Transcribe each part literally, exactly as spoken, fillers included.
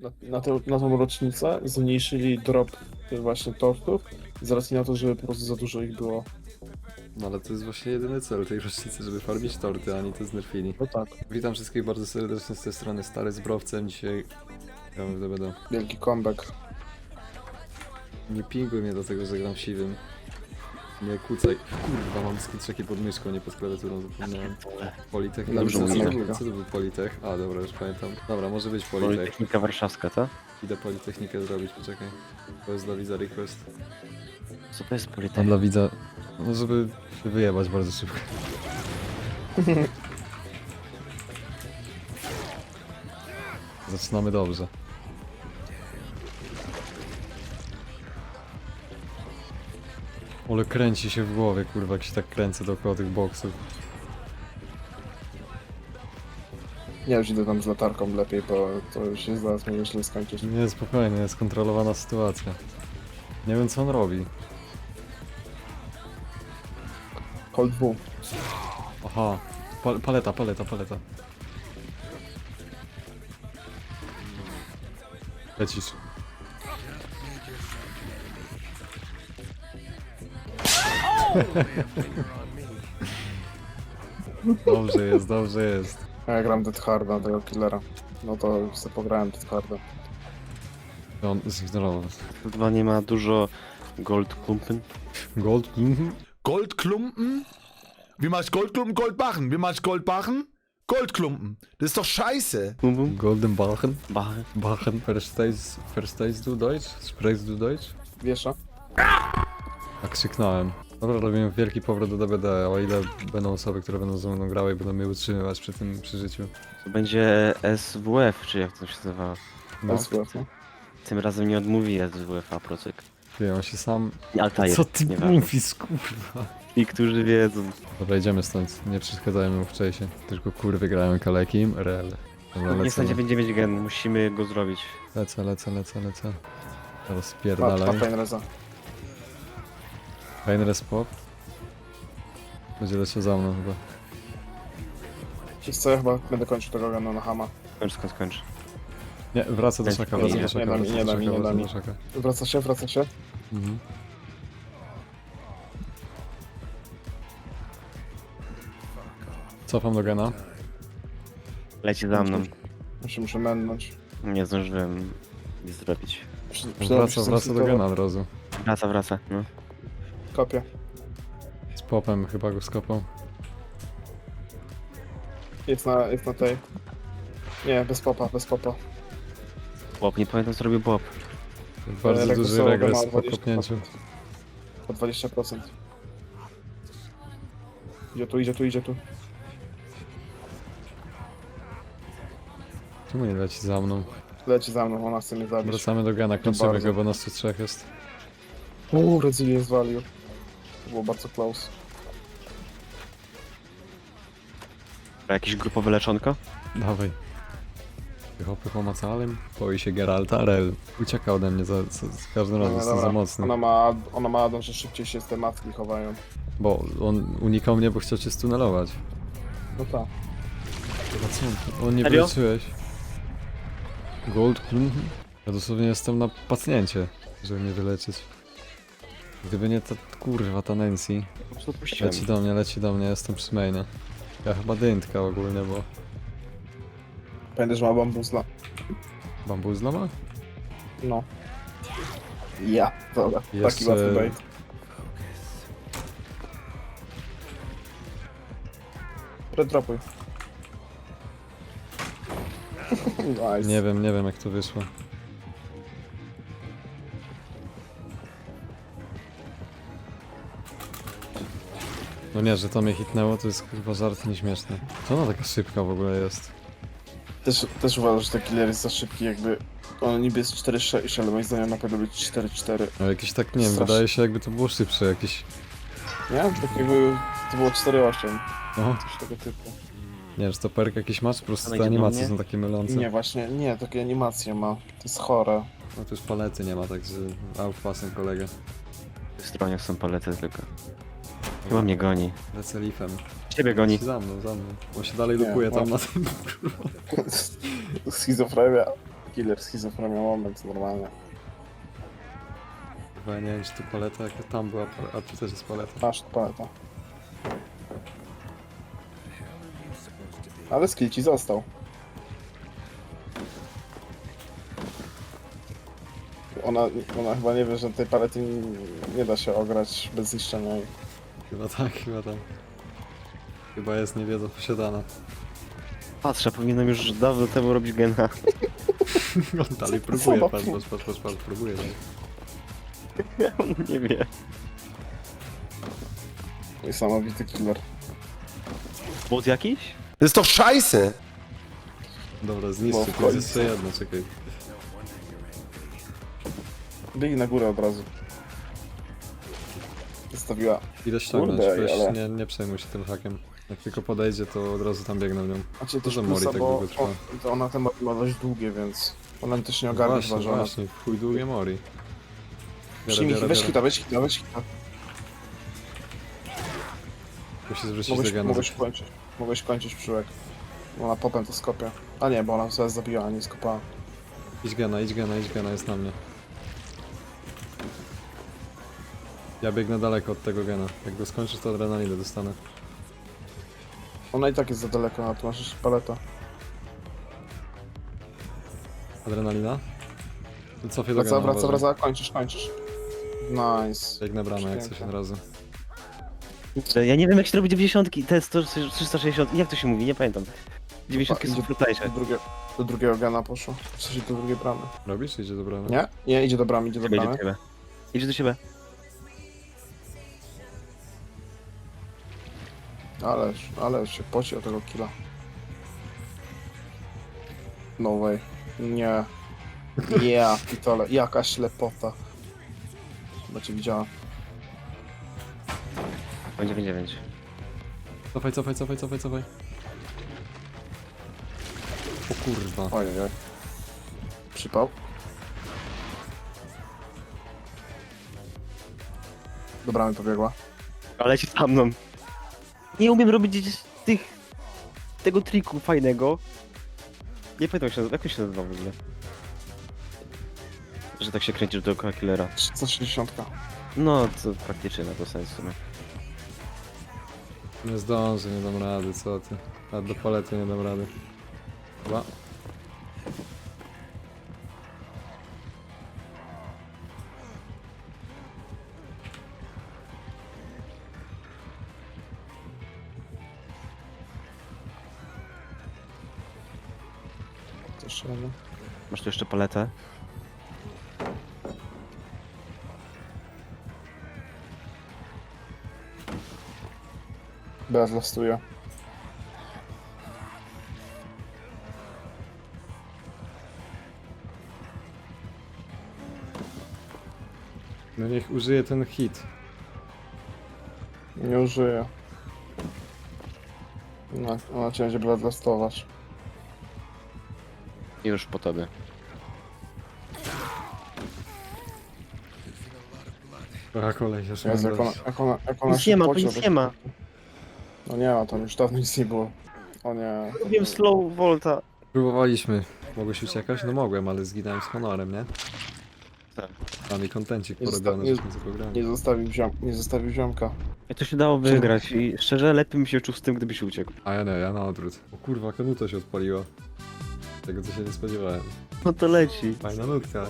na, na, tę, na tą rocznicę zmniejszyli drop tych właśnie tortów z racji na to, że po prostu za dużo ich było. No ale to jest właśnie jedyny cel tej rocznicy, żeby farmić torty, a oni to znerfili. No tak, Witam wszystkich bardzo serdecznie z tej strony, Stary z Browcem. Dzisiaj gramy w D B D. wielki comeback. Nie pinguj mnie do tego, że gram siwym. Nie kucaj. Kurwa, mam skitrzeki pod myszką, nie pod klawiaturą, zapomniałem. Politech. Dobrze co, mówię. co, co to był Politech? A, dobra, już pamiętam. Dobra, może być Politech. Politechnika Warszawska, co? Idę Politechnikę zrobić, poczekaj. To jest dla widza request. Co to jest A Politechnika? dla widza, no żeby się wyjebać bardzo szybko. Zaczynamy dobrze. Ale kręci się w głowie, kurwa, jak się tak kręcę dookoła tych boksów. Ja już idę tam z latarką lepiej, bo to już się zaraz może źle skończyć. Nie, spokojnie, jest kontrolowana sytuacja. Nie wiem, co on robi. Cold W. Aha, pa paleta, paleta, paleta. Lecisz. Dobrze jest, dobrze jest. A ja gram Dead Harda, tego killera. No to już sobie pograłem Dead Harda. On zignorował. Chyba nie ma dużo gold klumpen. Gold? Mhm. Goldklumpen? Wie man Goldklumpen, Goldbarren? Wie man Goldbarren? Goldklumpen. Das ist doch scheiße. Bum bum. Golden Bachen? Bach. Bachen, Verstehst, verstehst du Deutsch? Sprichst du Deutsch? Wiesza? Tak krzyknąłem. Dobra, robimy wielki powrót do D B D, o ile będą osoby, które będą ze mną grały i będą mnie utrzymywać przy tym przeżyciu. To będzie S W F, czy jak to się nazywa? No, S W, no. Tym razem nie odmówi S W F, a procyk. ty, on się sam... Altair. Co ty nieważne. mówisz, kurwa? I którzy wiedzą. Dobra, idziemy stąd, nie przeszkadzajmy mu wcześniej. Tylko kurwy grają kalekim, rel. Dobra, Nie lecę, stanie dziewięćdziesiąt gen, musimy go zrobić. lecę, lecę, lecę, lecę. Teraz Ma, ma spierdalaj. Feinreza. Fajny respop. Będzie leciał za mną chyba. Wiesz co, ja chyba będę kończył tego gana na Hama. Skończ, skończ, skończ. Nie, wraca do Nie, szaka, nie, wraca nie, do szaka, nie da mi, wraca nie do da mi, szaka, nie da wraca mi. do szaka. Wraca się, wraca się. Mhm. Cofam do gena. Leci za mną. Ja się muszę mennąć. Nie zdążyłem nic zrobić. Przy- przydałoby się Wraca, wraca do zresetować. gena od razu. Wraca, wraca, no. Kopię. Z popem chyba go skopał. Jest na, jest na tej. Nie, bez popa, bez popa. Bob, nie pamiętam co robił Bob. Bardzo regresowo duży go regres ma po dwadzieścia kopnięciu. O dwadzieścia procent. Idzie tu, idzie tu, idzie tu. Czemu nie leci za mną? Leci za mną, ona chce mnie zabić. Wracamy do gena, kończymy bardzo. go, bo nas tu trzech jest. Uuu, Resilient Value. To było bardzo close. A jakieś grupowe leczonko? Dawaj. Pycho, pycho macalem. Boi się Geralta, rel. Ucieka ode mnie, za, za, za każdym razem No, jestem dobra. za mocny. Ona ma, ona ma adon, że szybciej się z te matki chowają. Bo on unikał mnie, bo chciał cię stunelować. No tak. A co? On nie Serio? wyleczyłeś. Gold? Mhm. Ja dosłownie jestem na pacjencie, żeby mnie wyleczyć. Gdyby nie ta kurwa, ta Nancy. Po prostu odpuściłem. Leci do mnie, leci do mnie, jestem przy mainie. Ja chyba dyntka ogólnie, bo... Pamiętaj, że ma bambuzla. Bambuzla ma? No. Ja, dobra. Jeszcze- Taki łatwy bait. Redropuj. Nice. Nie wiem, nie wiem jak to wyszło. No nie, że to mnie hitnęło, to jest chyba żart nieśmieszny. Co ona taka szybka w ogóle jest? Też, też uważam, że ten killer jest za szybki, jakby... On niby jest cztery sześć, ale moim zdaniem na pewno być cztery cztery. No jakieś tak, nie wiem, Strasznie. wydaje się jakby to było szybsze, jakieś... Nie? Takiego... To było cztery osiem. No, Coś tego typu. nie wiem, czy to perk jakiś masz, po prostu Ona te idzie do animacje mnie? są takie mylące. Nie, właśnie, nie, takie animacje ma. To jest chore. No to już palety nie ma, także outpasem kolegę. W stronie są palety tylko. Chyba mnie goni. Lecę leafem. Ciebie goni. Za mną, za mną. On się dalej Nie, lukuje tam no. na tym. Schizofrenia. Killer schizofrenia moment, normalnie. Chyba nie wiem, czy tu paleta, jak tam była, pal- a tu też jest paleta. Masz paleta. Ale skill ci został. Ona, ona chyba nie wie, że tej palety nie, nie da się ograć bez zniszczenia jej. Chyba tak, chyba tak. Chyba jest niewiedza posiadana. Patrzę, powinienem już dawno temu robić gena. On dalej Co próbuje, za patrz, fu- patrz, patrz, patrz, patrz, próbuje dalej. On nie wie. Niesamowity killer. Bot jakiś? Das ist doch scheiße! Dobra, Bo zniszczy, w tu jest końcu. jeszcze jedno, czekaj. Biegnij na górę od razu. Zostawiła. Idę ściągnąć, Kurde, weź, ale- nie, nie przejmuj się tym hakiem. Jak tylko podejdzie, to od razu tam biegnę w nią. Macie też Dużo mori plusa, tak bo długo trwa. o, to ona te mori ma dość długie, więc ona też nie No ogarnie właśnie, chyba, że ona... właśnie, w chuj długie mori. Biorę, Przyjmij, biorę, weź biorę. hita, weź hita, weź hita. Musi zwrócić Mogłeś, do gena. mogłeś kończyć. Mogłeś kończyć przyłek. Bo ona potem to skopie. A nie, bo ona zaraz zabijała, nie skopała. Idź gena, idź gena, idź gena, jest na mnie. Ja biegnę daleko od tego gena. Jak go skończysz, to adrenalinę dostanę. Ona i tak jest za daleko, a tu masz jeszcze paleta. Adrenalina? To cofie do Wraca, gena, wraca, uważaj. wraca, kończysz, kończysz. Nice. Biegnę bramę jak coś Pięknie. od razu. Ja nie wiem jak się robi dziewięćdziesiątki, te sto, trzysta sześćdziesiąt, jak to się mówi, nie pamiętam. dziewięćdziesiątki są Idzie- frutajsze. Do, drugie, do drugiego gana poszło. W sensie do drugiej bramy. Robisz? Idzie do bramy? Nie? Nie, idzie do bramy, idzie do Idzie do bramy. ciebie. Idzie do siebie. Ale, ale się poci o tego killa. No way. Nie. Ja, pitole. Jaka ślepota. Chyba cię widziała. dziewięć dziewięć. Cofaj, cofaj, cofaj, cofaj, cofaj. O kurwa. Ojej, oj. Przypał. Do bramy pobiegła. Ale ci za mną. Nie umiem robić gdzieś tych... tego triku fajnego. Nie pamiętam się, jak on się nazywa w ogóle. Że tak się kręcisz dookoła killera. trzysta sześćdziesiąt. No, to praktycznie na to sens w sumie. Nie zdążę, nie dam rady, co ty. A do palety nie dam rady. Chyba. Też jeden. Masz tu jeszcze paletę? Bez lastuje. No niech użyje ten hit. Nie użyję. No, ona cię będzie bloodlastować. Już po tobie. A kolej, już Jezu, jak ona, jak ona, jak ona Nic się nie ma, tu poci o nic to- nie ma. No nie ma, tam już dawno nic nie było. O nie. Wiem slow volta. Próbowaliśmy. Mogłeś uciekać? No mogłem, ale zginąłem z honorem, nie? Tak. Mam mi kontencik Nie porobiony, zosta- nie- żeśmy zagrali. Nie zostawił, ziom, nie zostawił ziomka. Jak to się dało wygrać i szczerze lepiej mi się czuł z tym, gdybyś uciekł. A ja nie, ja na odwrót. O kurwa, kanuta się odpaliła. Tego co się nie spodziewałem. No to leci. Fajna nutka.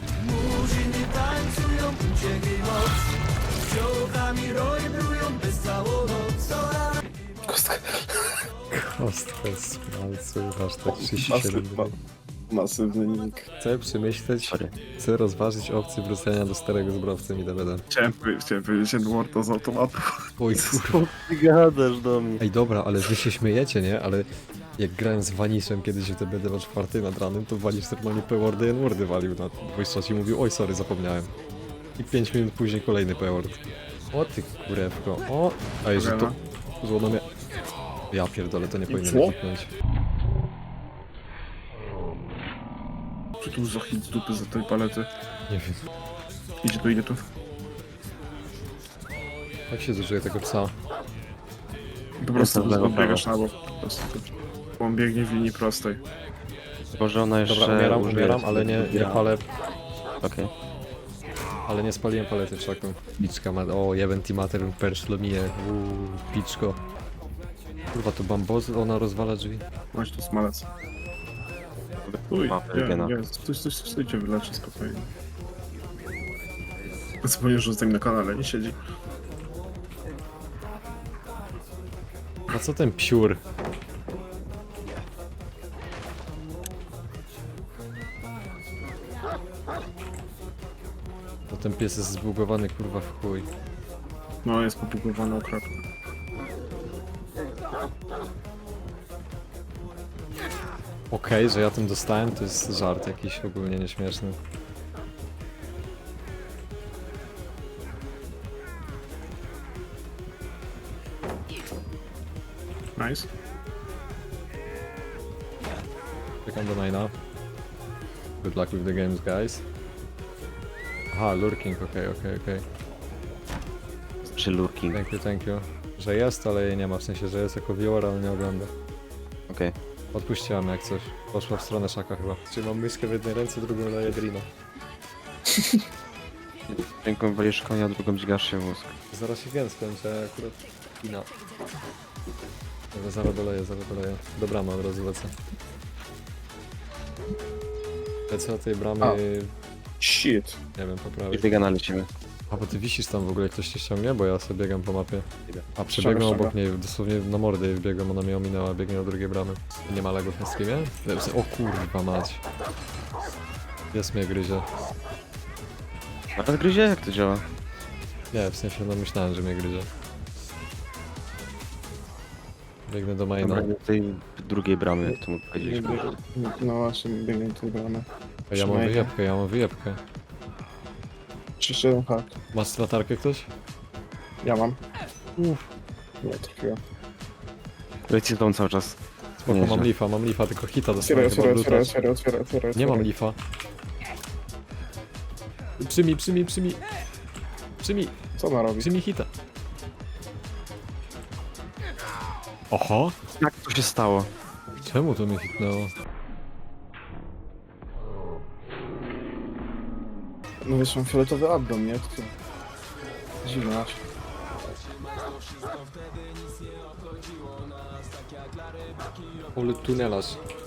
Kostka. Kostka z palcu, hashtag trzydzieści siedem. Masywny, masywny nick. Chcę przemyśleć, Sorry. chcę rozważyć opcję wrócenia do starego z browcem i D V D. Chciałem, chciałem powiedzieć Edwarda z automatu. Oj kurwa. Ty gadasz do mnie. Ej dobra, ale wy się śmiejecie, nie? Ale jak grałem z Vanishem kiedyś w D B D na czwartej nad ranem, to Vanish normalnie P-wordy i N-wordy walił na voice chat i mówił, oj sorry, zapomniałem. I pięć minut później kolejny P-word. O ty kurewko, o! Ej, że to... Złono mnie... Ja pierdolę, to nie powinienem co? kliknąć. Czy tu za hit z dupy za tej palety? Nie wiem, Idzie tu, idzie tu. jak się zużyje tego psa? Po prostu Jestem w lewo, biegasz na bok. Po prostu. Bo on biegnie w linii prostej. Tylko, że ona jeszcze... Dobra, umieram, użyje umieram, sobie ale nie, nie drugi raz. palę, Okej. ale nie spaliłem palety w szaku. Piczka ma, o, jeben timater per szlomije, uuu, piczko. Kurwa, to bambozy, ona rozwala drzwi. Chodź tu smalec. Uj, Ma Eugena. nie, nie, stój, stój, stój, stójcie, wyleczy spokojnie. Zapomniał, że z nim na kanale nie siedzi. A co ten psiur? To ten pies jest zbugowany kurwa w chuj. No, jest popukowany okropnie. Okej, że ja tym dostałem, to jest żart jakiś ogólnie nieśmieszny. Nice. Czekam do Nina. Good luck with the games, guys. Aha, lurking, okej, okej, okej. Czy lurking. Thank you, thank you. Że jest, ale jej nie ma, w sensie, że jest jako viewer, ale nie ogląda. Okej. Odpuściłam jak coś. Poszła w stronę szaka chyba. Trzymam myszkę w jednej ręce, drugą daję Drina. Ręką walisz konia, drugą dźgasz się w mózg. Zaraz się gen skończę, akurat kina. Dobra, zaraz doleję, zaraz doleję. Do bramy od razu lecę. Lecę od tej bramy, A. Shit. nie wiem, I poprawić. biegana lecimy. A bo ty wisisz tam w ogóle, ktoś cię ściągnie? Bo ja sobie biegam po mapie. A przebiegłem Ściąga, obok ściąga. niej, dosłownie na mordę jej wbiegłem, ona mnie ominęła, biegnie do drugiej bramy. Nie ma lagów na streamie? O kurwa mać. Jest mnie gryzie. Nawet gryzie? Jak to działa? Nie, w sensie no myślałem, że mnie gryzie. Biegnę do maina. Dobra, do tej drugiej bramy, jak to mógł powiedzieć. No właśnie, biegnie do tej bramy. A ja mam Trzymaj. wyjebkę, ja mam wyjebkę. trzydzieści jeden hak. Masz latarkę ktoś? Ja mam. Uff. Nie, trafiłem. Leci z tą cały czas. Spoko, Nieźle. mam lifa, mam lifa, tylko hita Otwieraj, dostałem chyba otwieraj, otwieraj, brutać. otwieraj, otwieraj, otwieraj. Nie mam otwieraj. lifa. Przyjmij, przyjmij, przyjmij. Przyjmij, Co ona robi? przyjmij hita. Oho? Jak to się stało? Czemu to mnie hitnęło? No wiesz, mam fioletowy addon, nie? To to... Dziwne aż. Ale tunelarz.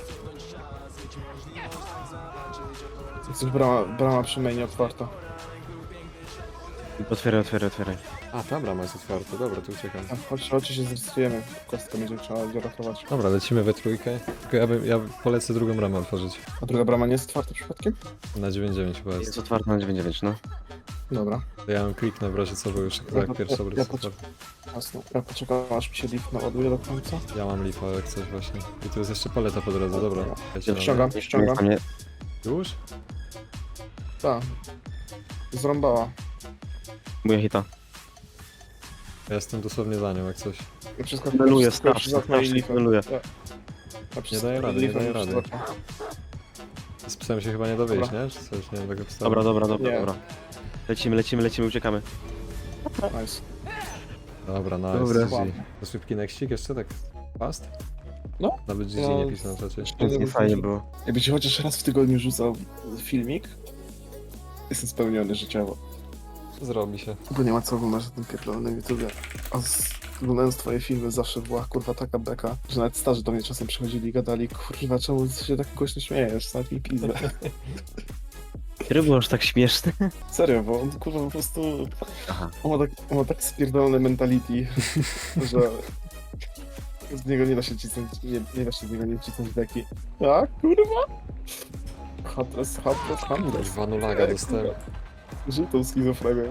Jest brama, brama przy mainie otwarta. Otwieraj, otwieraj, otwieraj. A, ta brama jest otwarta, dobra, tu uciekam. A, chodź, chodź się zrejestrujemy. Kostkę będzie trzeba ratować. Dobra, lecimy we trójkę. Tylko ja, bym, ja polecę drugą bramę otworzyć. A druga brama nie jest otwarta przypadkiem? Na dziewięć dziewięć chyba jest. Jest otwarta na dziewięć dziewięć, no. Dobra. To ja ją kliknę w razie co, bo już Ja- tak pierwsza ja- ja, ja poczek- Jasne. Ja poczekam aż mi się lift naładuje do końca. Ja mam lifa jak coś właśnie. I tu jest jeszcze paleta po drodze, dobra. Leci Ja na ściągam, Nie ściągam. mnie. mnie. Już? Tak. Zrąbała. Moja hita. Ja jestem dosłownie za nią jak coś. Ja wszystko Meluję, wszystko strasz, przez okno i strasz, lifem. meluję. Ja- ja przez- daję rady, nie lifem daję przez rady. okno. Z psem się chyba nie da wyjść, Dobra. nie? Czy coś, nie wiem tego psa. Dobra, dobra, dobra, Nie. dobra. Lecimy, lecimy, lecimy, uciekamy. Nice. Dobra, nice. Dobra. G G. To szybki nextik jeszcze tak fast? No. Nawet G G No. nie pisze na czacie. Więc nie fajnie było. Jakby ci chociaż raz w tygodniu rzucał filmik, jestem spełniony życiowo. Zrobi się. Bo nie ma co oglądać na tym pierdolonym YouTubie. A z, oglądając twoje filmy zawsze była kurwa taka beka, że nawet starzy do mnie czasem przychodzili i gadali, kurwa czemu ty się tak głośno śmiejesz, nawet mi pizdę. Kiedy było aż tak śmieszne? Serio, bo on kurwa po prostu, Aha. on ma tak, on ma tak spierdolone mentality, że z niego nie da się cisnąć, nie, nie da się z niego nie cisnąć beki. Tak, kurwa? Hatres, hatres, hatres. Kurwa, no laga dostałem. Żółtą schizofrenię.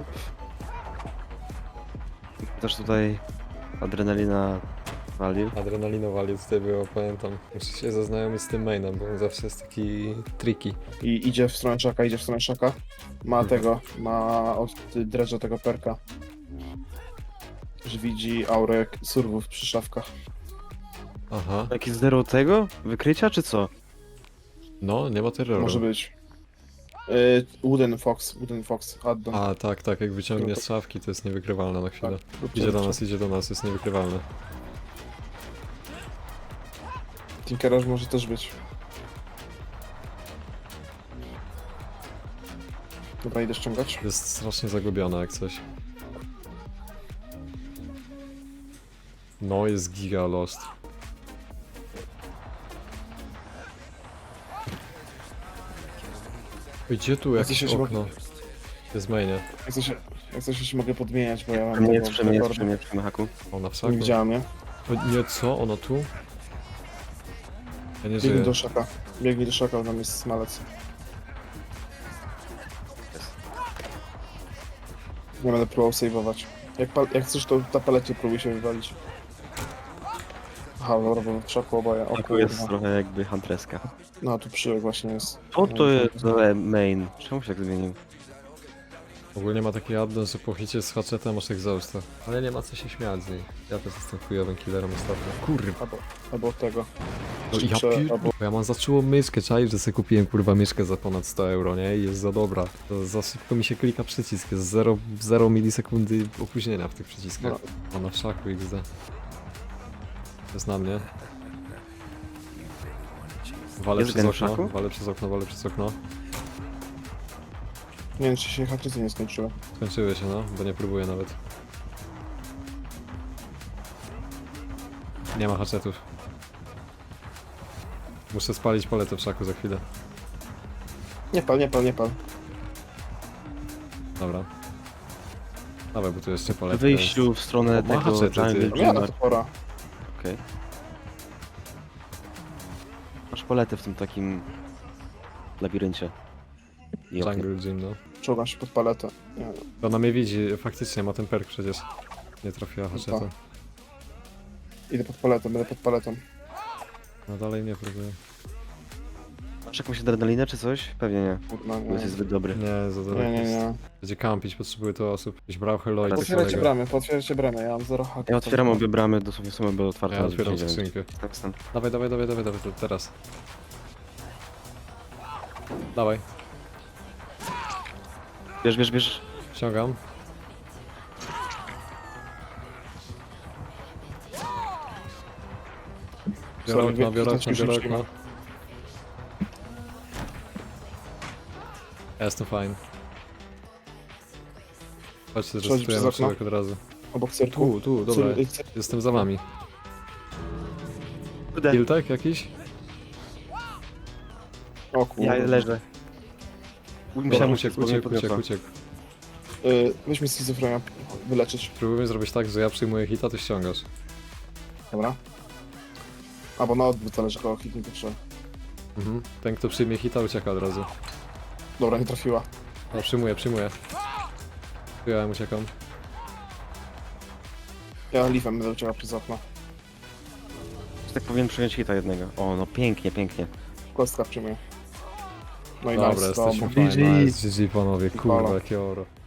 Też tutaj adrenalina walił. Adrenalinowali tutaj było, pamiętam. Muszę się zaznajomić z tym mainem, bo on zawsze jest taki tricky. I idzie w stronę szaka, idzie w stronę szaka. Ma Mhm. tego, ma od dredża tego perka. Że widzi aurę surwów przy szafkach. Aha. Jakiś zero tego? Wykrycia czy co? No, nie ma terroru. Może być. Y, Wooden Fox, Wooden Fox, addon. A, tak, tak, jak wyciągnie z szafki, to jest niewykrywalne na chwilę. Tak. Idzie do nas, idzie do nas, jest niewykrywalne. Tinkeraż może też być. Dobra, idę ściągać. Jest strasznie zagubiona jak coś. No, jest giga lost. Ej, gdzie tu Ja jakieś coś się okno? Jest mainie. Jak coś, jak coś się mogę podmieniać, bo ja mam Przy mnie tego jest, przy mnie jest, rekordu. przy mnie, przy mnie haku. Ona w Nie szaku. widziałem, nie? O, nie, co? Ona tu? Ja nie Biegnij żyję. do szaka. Biegnij do szaka, tam jest smalec. Nie będę próbował save'ować. Jak, pal- jak chcesz, to na palecie próbuj się wywalić. Aha, dobra, bo w szaku oboje. O Haku jest kurwa. trochę jakby huntreska. No, tu przyłek właśnie jest. Co to jest za main? Czemu się tak zmienił? Ogólnie ma taki addon, że po hicie z hatchetem masz exhausta. Ale nie ma co się śmiać z niej. Ja też jestem chujowym killerem ostatnio. Kurwa. Albo, albo od tego. No i ja Prze- pier... albo- Ja mam zaczęło myszkę, czaisz, że sobie kupiłem kurwa myszkę za ponad sto euro, nie? I jest za dobra. To za szybko mi się klika przycisk, jest zero milisekundy opóźnienia w tych przyciskach. No. Ona w szaku X D. Jest na mnie. Walę Jest przez gen w okno, szaku? walę przez okno, walę przez okno. Nie wiem, czy się haczycy nie skończyły. Skończyły się, no, bo nie próbuję nawet. Nie ma haczetów. Muszę spalić paletę w szaku za chwilę. Nie pal, nie pal, nie pal. Dobra. Dawaj, bo tu jeszcze W paletka wyjściu w stronę O, ma tego haczety, ty. Jungle No miała Dreamer. to pora. Okej. Masz paletę w tym takim labiryncie. I jest. oknie. Jungle Gym, no. Czołgam się pod paletę. Nie, To ona mnie widzi, faktycznie ma ten perk przecież. Nie trafiła haczeta. Tak. idę pod paletą, będę pod paletą. No dalej nie próbuję. Masz jakąś adrenalinę czy coś? Pewnie nie. Kurna, Bo jest nie. zbyt dobry. Nie, za daleko Nie, nie, jest. nie. Będzie kampić, potrzebuje to osób. Jakiś brał hello i tak Potwierajcie dalej. bramy, potwierajcie bramy, ja mam zero haków. Ja otwieram obie bramy, dosłownie są obie otwarte. Ja na otwieram dziewięć. skrzynkę. Tak, stan. Dawaj, dawaj, dawaj, dawaj, dawaj, to teraz. Dawaj, Bierz, bierz, bierz. ściągam. Biorę Sorry, okno, biorę widać okno, biorę książki. okno. Ja jestem fajny. Chodźcie, Przechodzi przez zresztujemy okno? człowiek od razu. Obok cyrku. Tu, tu, dobra. Cyr- cyr- Jestem za wami. Kurde, Hiltek jakiś? O kurwa. ja leżę. Dobra, Musiałem uciekł, uciekł, uciekł, uciekł. Y, weź mi schizofrenia wyleczyć. Spróbujemy zrobić tak, że ja przyjmuję hita, ty ściągasz. Dobra. Albo na odwrót, zależy kogo hitnie to trzeba. Mhm. Ten, kto przyjmie hita, ucieka od razu. Dobra, nie trafiła. No, przyjmuję, przyjmuję. Ja uciekam. Ja lifem będę uciekał przez okno. Tak powinien przyjąć hita jednego. O, no pięknie, pięknie. Kostka przyjmuje. No i Dobra, nice, jesteśmy dobra. fajni. G G. Nice, G G panowie, kurwa, Halo. jakie oro.